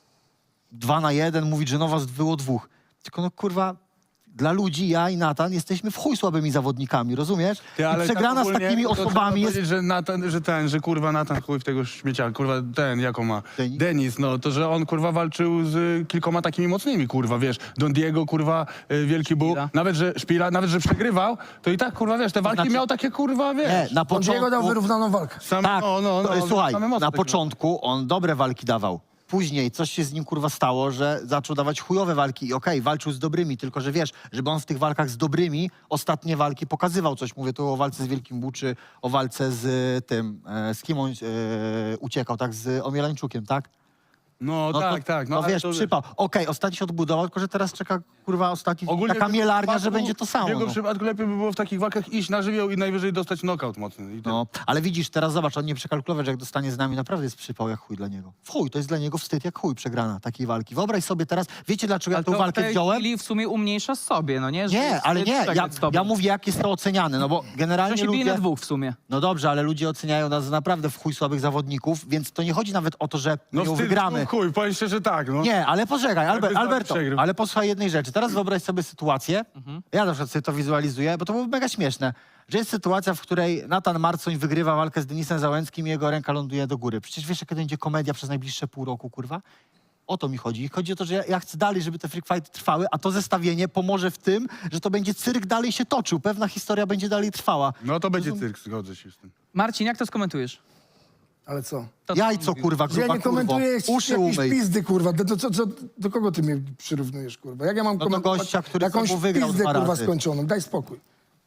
Speaker 3: 2-1, mówić, że no was było 2. Tylko no kurwa, dla ludzi, ja i Natan jesteśmy w chuj słabymi zawodnikami, rozumiesz?
Speaker 8: Ty,
Speaker 3: I
Speaker 8: ale
Speaker 3: przegrana
Speaker 8: tak
Speaker 3: z
Speaker 8: ogólnie
Speaker 3: takimi
Speaker 8: to trzeba
Speaker 3: osobami jest...
Speaker 8: powiedzieć, że kurwa Natan chuj w tego śmiecia, kurwa jaką ma?
Speaker 3: Denis?
Speaker 8: Denis, no to, że on kurwa walczył z kilkoma takimi mocnymi, kurwa, wiesz, Don Diego, kurwa, Wielki Bóg,
Speaker 4: Szpila.
Speaker 8: nawet że przegrywał, to i tak, kurwa, wiesz, te walki
Speaker 3: znaczy-
Speaker 8: miał takie, kurwa, wiesz.
Speaker 3: Nie, na
Speaker 2: On Diego dał
Speaker 3: początku...
Speaker 2: wyrównaną walkę.
Speaker 8: Sam,
Speaker 3: Tak, słuchaj,
Speaker 8: same moce
Speaker 3: na
Speaker 8: takie
Speaker 3: początku on dobre walki dawał. Później coś się z nim kurwa stało, że zaczął dawać chujowe walki i okej, walczył z dobrymi, tylko że wiesz, żeby on w tych walkach z dobrymi ostatnie walki pokazywał coś. Mówię tu o walce z Wielkim Bóg, czy o walce z tym, z kim on uciekał, tak, z Omielańczukiem, tak?
Speaker 8: No, tak, tak.
Speaker 3: No
Speaker 8: ale
Speaker 3: wiesz,
Speaker 8: to-
Speaker 3: przypał. Okej, ostatni się odbudował, tylko że teraz czeka kurwa ostatni,
Speaker 8: Ogólnie
Speaker 3: taka
Speaker 8: w jego
Speaker 3: mielarnia, że
Speaker 8: przypadku-
Speaker 3: będzie to samo.
Speaker 8: W jego
Speaker 3: No.
Speaker 8: przypadku lepiej by było w takich walkach iść na żywioł i najwyżej dostać knockout mocny. I tyle.
Speaker 3: No, ale widzisz, teraz zobacz, on nie przekalkulował, że jak dostanie z nami, naprawdę jest przypał jak chuj dla niego. W chuj, to jest dla niego wstyd jak chuj przegrana takiej walki. Wyobraź sobie teraz, wiecie dlaczego ja
Speaker 4: Ale
Speaker 3: tą
Speaker 4: to w
Speaker 3: walkę
Speaker 4: tej
Speaker 3: wziąłem?
Speaker 4: chwili w sumie umniejsza sobie, no nie? Że
Speaker 3: Nie,
Speaker 4: jest
Speaker 3: ale nie,
Speaker 4: przegrać z tobą.
Speaker 3: ja mówię jak jest to oceniane, no bo
Speaker 4: Że
Speaker 3: generalnie
Speaker 4: się bije
Speaker 3: ludzie...
Speaker 4: na 2 w sumie.
Speaker 3: No dobrze, ale ludzie oceniają nas za naprawdę w chuj słabych zawodników, więc to nie chodzi nawet o to, że my ją
Speaker 8: wstyd,
Speaker 3: wygramy.
Speaker 8: chuj, powiem szczerze, tak, no.
Speaker 3: Nie, ale poczekaj,
Speaker 8: Jakby
Speaker 3: Alberto,
Speaker 8: przegrał.
Speaker 3: ale posłuchaj jednej rzeczy. Teraz wyobraź sobie sytuację, ja na przykład sobie to wizualizuję, bo to było mega śmieszne, że jest sytuacja, w której Natan Marcoń wygrywa walkę z Denisem Załęckim i jego ręka ląduje do góry. Przecież wiesz, jaka będzie komedia przez najbliższe pół roku, kurwa? O to mi chodzi. Chodzi o to, że ja chcę dalej, żeby te freak fighty trwały, a to zestawienie pomoże w tym, że to będzie cyrk dalej się toczył. Pewna historia będzie dalej trwała.
Speaker 8: No to będzie cyrk, zgodzę się z tym.
Speaker 4: Marcin, jak to skomentujesz?
Speaker 2: Ale co?
Speaker 4: To,
Speaker 3: Jajco, kurwa,
Speaker 2: Że ja
Speaker 3: gruba
Speaker 2: nie komentuję
Speaker 3: kurwo. Uszy
Speaker 2: jakieś
Speaker 3: umyj.
Speaker 2: pizdy, kurwa. Do kogo ty mnie przyrównujesz, kurwa? Jak ja mam
Speaker 3: do
Speaker 2: komentować
Speaker 3: gościa, który
Speaker 2: jakąś
Speaker 3: znowu wygrał
Speaker 2: pizdę,
Speaker 3: 2
Speaker 2: kurwa,
Speaker 3: razy.
Speaker 2: skończoną? Daj spokój.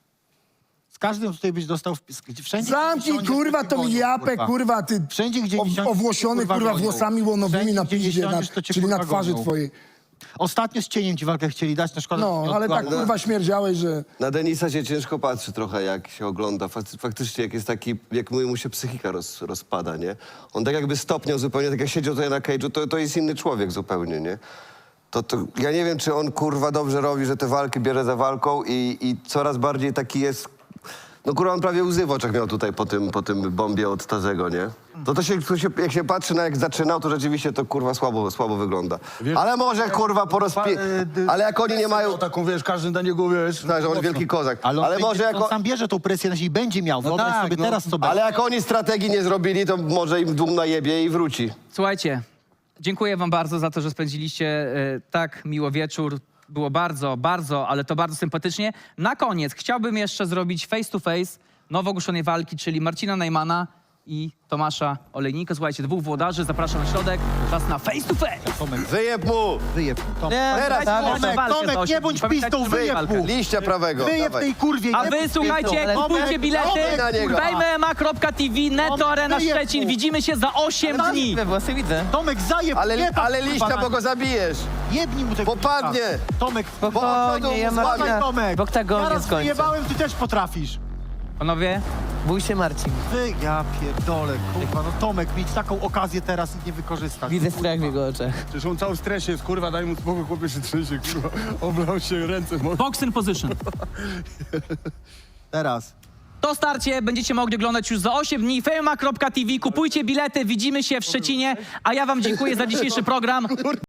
Speaker 3: Z każdym tutaj byś dostał wpis. Wszędzie,
Speaker 2: Zamknij,
Speaker 3: gdzie
Speaker 2: kurwa,
Speaker 3: siądziesz, to
Speaker 2: tą
Speaker 3: cię
Speaker 2: japę,
Speaker 3: gonią,
Speaker 2: kurwa, ty
Speaker 3: Wszędzie, gdzie nie siądziesz,
Speaker 2: owłosiony,
Speaker 3: to,
Speaker 2: kurwa,
Speaker 3: gonią.
Speaker 2: włosami łonowymi
Speaker 3: Wszędzie,
Speaker 2: na
Speaker 3: gdzie nie
Speaker 2: piździe,
Speaker 3: siądziesz, to cię,
Speaker 2: czyli na
Speaker 3: kurwa,
Speaker 2: twarzy
Speaker 3: gonią.
Speaker 2: twojej.
Speaker 3: Ostatnio z cieniem ci walkę chcieli dać, na szkodę.
Speaker 2: No,
Speaker 3: że
Speaker 2: ale tak,
Speaker 3: odkładł.
Speaker 2: kurwa, śmierdziałeś, że...
Speaker 5: Na Denisa się ciężko patrzy trochę, jak się ogląda. Faktycznie, jak jest taki, jak mu się psychika rozpada, nie? On tak jakby stopniał zupełnie, tak jak siedział tutaj na cage'u, to jest inny człowiek zupełnie, nie? To ja nie wiem, czy on, kurwa, dobrze robi, że te walki bierze za walką i coraz bardziej taki jest... No kurwa, on prawie łzy w oczach miał tutaj po tym bombie od Tazego, nie? Jak się patrzy na jak zaczynał, to rzeczywiście to kurwa słabo wygląda.
Speaker 8: Wiesz,
Speaker 5: Ale może kurwa ale jak oni nie mają...
Speaker 8: Taką, wiesz, każdy na niego, wiesz...
Speaker 5: Tak, że on wielki kozak.
Speaker 3: Ale,
Speaker 5: Ale może
Speaker 3: on
Speaker 5: jako...
Speaker 3: sam bierze tą presję na siebie i będzie miał. Wyobraź
Speaker 8: tak,
Speaker 3: sobie
Speaker 8: no.
Speaker 3: teraz, co
Speaker 5: Ale
Speaker 3: będzie.
Speaker 5: jak oni strategii nie zrobili, to może im dum najebie i wróci.
Speaker 4: Słuchajcie, dziękuję wam bardzo za to, że spędziliście tak miło wieczór. Było bardzo, ale to bardzo sympatycznie. Na koniec chciałbym jeszcze zrobić face to face nowo ogłoszonej walki, czyli Marcina Najmana i Tomasza Olejnika. Słuchajcie, 2 włodarzy, zapraszam na środek. Czas na face to face.
Speaker 5: Wyjeb mu!
Speaker 3: Wyjeb.
Speaker 5: Teraz
Speaker 3: Tomek, nie bądź pistą, wyjeb mu!
Speaker 5: Liścia prawego.
Speaker 3: Wyjeb
Speaker 5: Dawaj.
Speaker 3: tej kurwie.
Speaker 4: A
Speaker 3: nie
Speaker 4: wy
Speaker 3: bądź
Speaker 4: słuchajcie,
Speaker 3: pistą.
Speaker 4: kupujcie bilety,
Speaker 5: Tomek na niego.
Speaker 4: wejmema.tv, Netto Arena
Speaker 3: wyjeb
Speaker 4: Szczecin.
Speaker 3: mu.
Speaker 4: Widzimy się za 8 dni.
Speaker 1: Włosy widzę.
Speaker 3: Tomek, zajeb.
Speaker 5: Ale liścia, bo go zabijesz.
Speaker 3: Jebnij mu tego
Speaker 5: Popadnie.
Speaker 3: pista. Tomek,
Speaker 1: Spokojnie, ja mam
Speaker 3: Dawaj, Tomek.
Speaker 1: w oktagonie
Speaker 3: Zaraz
Speaker 1: skończę.
Speaker 3: wyjebałem, ty też potrafisz.
Speaker 4: Panowie,
Speaker 1: Bój się, Marcin.
Speaker 3: Ja pierdolę, kurwa, no Tomek, mieć taką okazję teraz i nie wykorzystać.
Speaker 1: Widzę strach w jego oczach.
Speaker 8: Przecież on cały w stresie jest, kurwa, daj mu spokój, chłopie się trzęsie, kurwa. Oblał się ręce.
Speaker 4: box in position.
Speaker 3: Teraz.
Speaker 4: To starcie będziecie mogli oglądać już za 8 dni. Fejma.tv, kupujcie bilety, widzimy się w Szczecinie, a ja wam dziękuję za dzisiejszy program.